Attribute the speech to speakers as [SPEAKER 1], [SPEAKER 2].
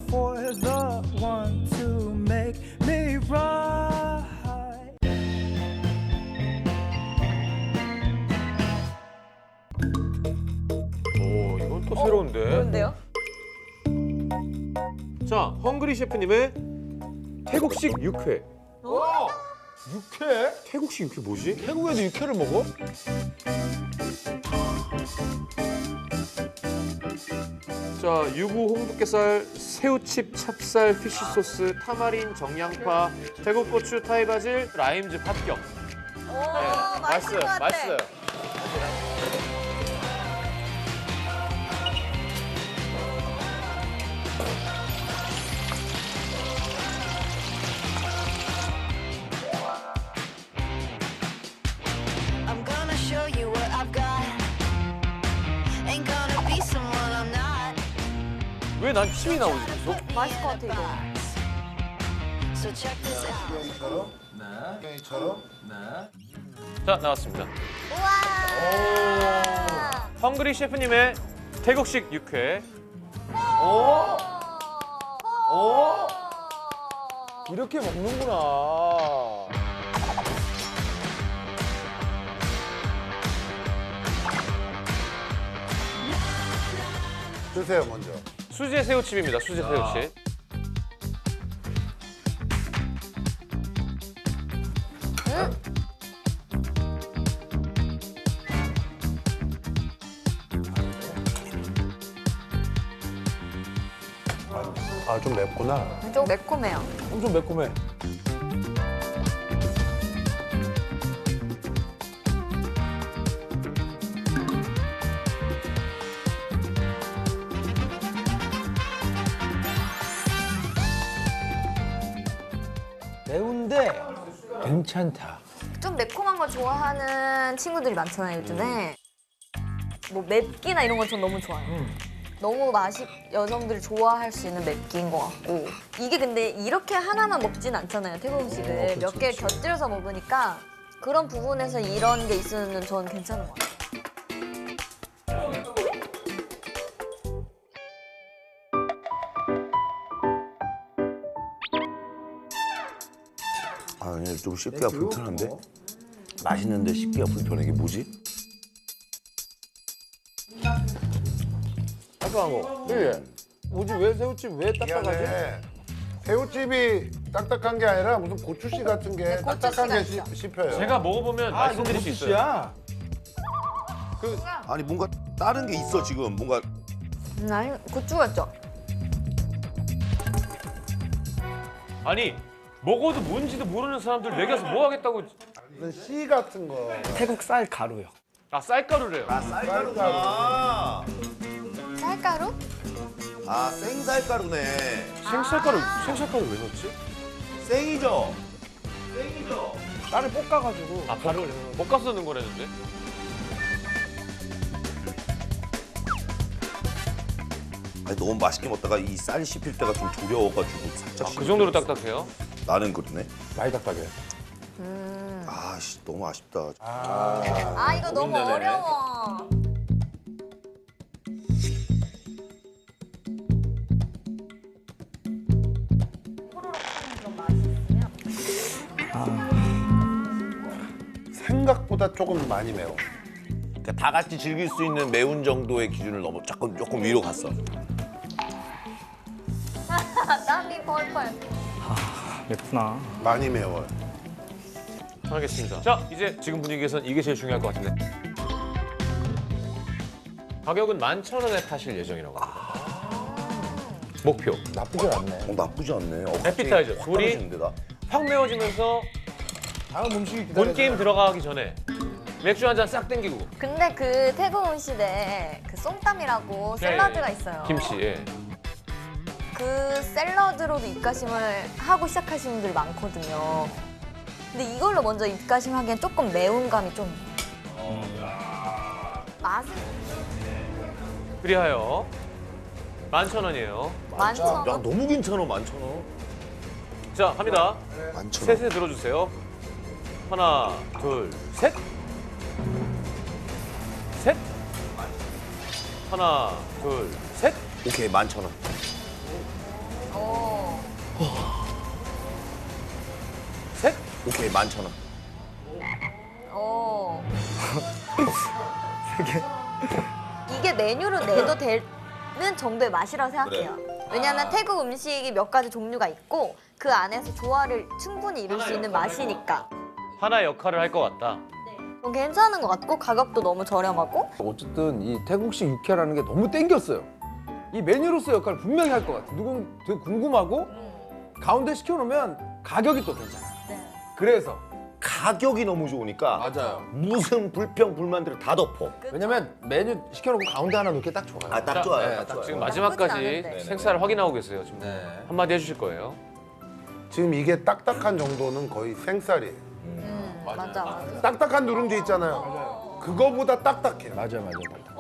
[SPEAKER 1] for the one to make me right.
[SPEAKER 2] 오, 이건 또 새로운데.
[SPEAKER 3] 뭔데요?
[SPEAKER 2] 자, 헝그리 셰프님의 태국식 육회.
[SPEAKER 4] 육회?
[SPEAKER 2] 태국식 육회 뭐지?
[SPEAKER 4] 태국에도 육회를 먹어?
[SPEAKER 2] 자, 유부 홍두깨살, 새우칩, 찹쌀, 피쉬 소스, 타마린, 정양파, 태국 고추, 타이 바질, 라임즙 합격.
[SPEAKER 3] 오, 맛있을 것 같아.
[SPEAKER 2] 맛있어요.
[SPEAKER 5] I'm gonna show you what I've got. Ain't gonna be someone I'm not.
[SPEAKER 2] 왜 난 침이 나오지 계속?
[SPEAKER 3] 맛있을 것 같아, 이거.
[SPEAKER 5] So check this out.
[SPEAKER 4] 뼈처럼? 네. 뼈처럼? 네.
[SPEAKER 2] 자, 나왔습니다.
[SPEAKER 3] 우와!
[SPEAKER 2] 헝그리 셰프님의 태국식 육회.
[SPEAKER 4] 이렇게 먹는구나.
[SPEAKER 6] 드세요 먼저.
[SPEAKER 2] 수제 새우칩입니다. 수제 새우칩.
[SPEAKER 6] 아 좀 맵구나.
[SPEAKER 3] 좀 매콤해요.
[SPEAKER 4] 엄청 매콤해. 매운데 괜찮다.
[SPEAKER 3] 좀 매콤한 거 좋아하는 친구들이 많잖아요, 요즘에. 뭐 맵기나 이런 건 전 너무 좋아요. 너무 여성들이 좋아할 수 있는 맵기인 것 같고. 이게 근데 이렇게 하나만 먹진 않잖아요, 태국 음식을. 몇 개 곁들여서 먹으니까 그런 부분에서 이런 게 있으면 전 괜찮은 것 같아요.
[SPEAKER 7] 아, 그냥 좀 씹기가 불편한데? 맛있는데 씹기가 불편해. 이게 뭐지?
[SPEAKER 4] 딱딱한 거. 그게 뭐지? 왜 새우찜 왜 딱딱하지?
[SPEAKER 6] 미안해. 새우찜이 딱딱한 게 아니라 무슨 고추씨 같은 게
[SPEAKER 3] 네,
[SPEAKER 6] 딱딱한 게
[SPEAKER 3] 고추씨가 있어.
[SPEAKER 6] 씹혀요.
[SPEAKER 2] 제가 먹어보면 말씀드릴 수 있어요.
[SPEAKER 4] 야
[SPEAKER 7] 아니 뭔가 다른 게 있어 지금. 뭔가
[SPEAKER 3] 아니, 고추였죠?
[SPEAKER 2] 아니, 먹어도 뭔지도 모르는 사람들 먹여서 뭐 하겠다고.
[SPEAKER 6] 무슨 씨 같은 거.
[SPEAKER 4] 태국 쌀 가루요.
[SPEAKER 2] 아, 쌀가루래요.
[SPEAKER 7] 쌀가루구나.
[SPEAKER 3] 쌀가루?
[SPEAKER 7] 아, 생쌀가루네.
[SPEAKER 2] 생쌀가루 왜 넣지?
[SPEAKER 7] 생이죠?
[SPEAKER 4] 쌀을 볶아가지고.
[SPEAKER 2] 아, 가루를 볶아서 넣는 거라는데?
[SPEAKER 7] 아니, 너무 맛있게 먹다가 이 쌀 씹힐 때가 좀 두려워가지고 살짝.
[SPEAKER 2] 아, 그 정도로 딱딱해요?
[SPEAKER 7] 나는 그러네.
[SPEAKER 4] 많이 딱딱해.
[SPEAKER 7] 아, 씨, 너무 아쉽다.
[SPEAKER 3] 아, 이거 너무
[SPEAKER 7] 고민되네.
[SPEAKER 3] 어려워.
[SPEAKER 6] 생각보다 조금 많이 매워.
[SPEAKER 7] 그러니까 다 같이 즐길 수 있는 매운 정도의 기준을 넘어 조금 위로 갔어.
[SPEAKER 3] 땀이 펄펄.
[SPEAKER 4] 맵구나.
[SPEAKER 6] 많이 매워요.
[SPEAKER 2] 알겠습니다. 자, 이제 지금 분위기에선 이게 제일 중요할 것 같은데. 가격은 11,000원에 파실 예정이라고 합니다. 목표.
[SPEAKER 4] 나쁘지 않네.
[SPEAKER 7] 나쁘지 않네.
[SPEAKER 2] 에피타이저.
[SPEAKER 7] 확
[SPEAKER 2] 둘이
[SPEAKER 7] 떨어지는데, 나.
[SPEAKER 2] 확 매워지면서
[SPEAKER 4] 다음 음식이
[SPEAKER 2] 본
[SPEAKER 4] 기다려.
[SPEAKER 2] 게임 들어가기 전에 맥주 한 잔 싹 땡기고.
[SPEAKER 3] 근데 그 태국 음식에 그 쏨땀이라고 샐러드가 있어요.
[SPEAKER 2] 김치. 예.
[SPEAKER 3] 그 샐러드로도 입가심을 하고 시작하시는 분들이 많거든요. 근데 이걸로 먼저 입가심하기엔 조금 매운감이 좀. 맛은
[SPEAKER 2] 그리하여 11,000원이에요.
[SPEAKER 3] 많죠.
[SPEAKER 7] 야, 너무 괜찮아, 11,000원.
[SPEAKER 2] 자, 갑니다.
[SPEAKER 7] 11,000원.
[SPEAKER 2] 셋에 들어주세요. 하나, 둘, 셋. 셋. 하나, 둘, 셋.
[SPEAKER 7] 오케이, 11,000원. 오케이 11,000원.
[SPEAKER 3] 어. 이게 메뉴로 내도 되는 정도의 맛이라고 생각해요. 왜냐하면 태국 음식이 몇 가지 종류가 있고 그 안에서 조화를 충분히 이룰 수 있는 맛이니까
[SPEAKER 2] 하나의 역할을 할 것 같다.
[SPEAKER 3] 괜찮은 것 같고 가격도 너무 저렴하고
[SPEAKER 4] 어쨌든 이 태국식 육회라는 게 너무 땡겼어요. 이 메뉴로서 역할을 분명히 할 것 같아. 누군 되게 궁금하고 가운데 시켜놓으면 가격이 또 괜찮아. 그래서
[SPEAKER 7] 가격이 너무 좋으니까
[SPEAKER 4] 맞아요.
[SPEAKER 7] 무슨 불평 불만들을 다 덮어.
[SPEAKER 4] 왜냐면 메뉴 시켜놓고 가운데 하나 놓기 딱 좋아요.
[SPEAKER 7] 아 딱 좋아요.
[SPEAKER 4] 네,
[SPEAKER 7] 딱
[SPEAKER 4] 딱
[SPEAKER 7] 좋아요.
[SPEAKER 2] 지금
[SPEAKER 3] 나쁘진
[SPEAKER 2] 마지막까지
[SPEAKER 3] 않은데.
[SPEAKER 2] 생사를 확인하고 계세요. 지금
[SPEAKER 4] 네.
[SPEAKER 2] 한마디 해주실 거예요.
[SPEAKER 6] 지금 이게 딱딱한 정도는 거의 생쌀이에요.
[SPEAKER 3] 맞아.
[SPEAKER 6] 딱딱한 누룽지 있잖아요. 그거보다 딱딱해요.
[SPEAKER 4] 맞아요.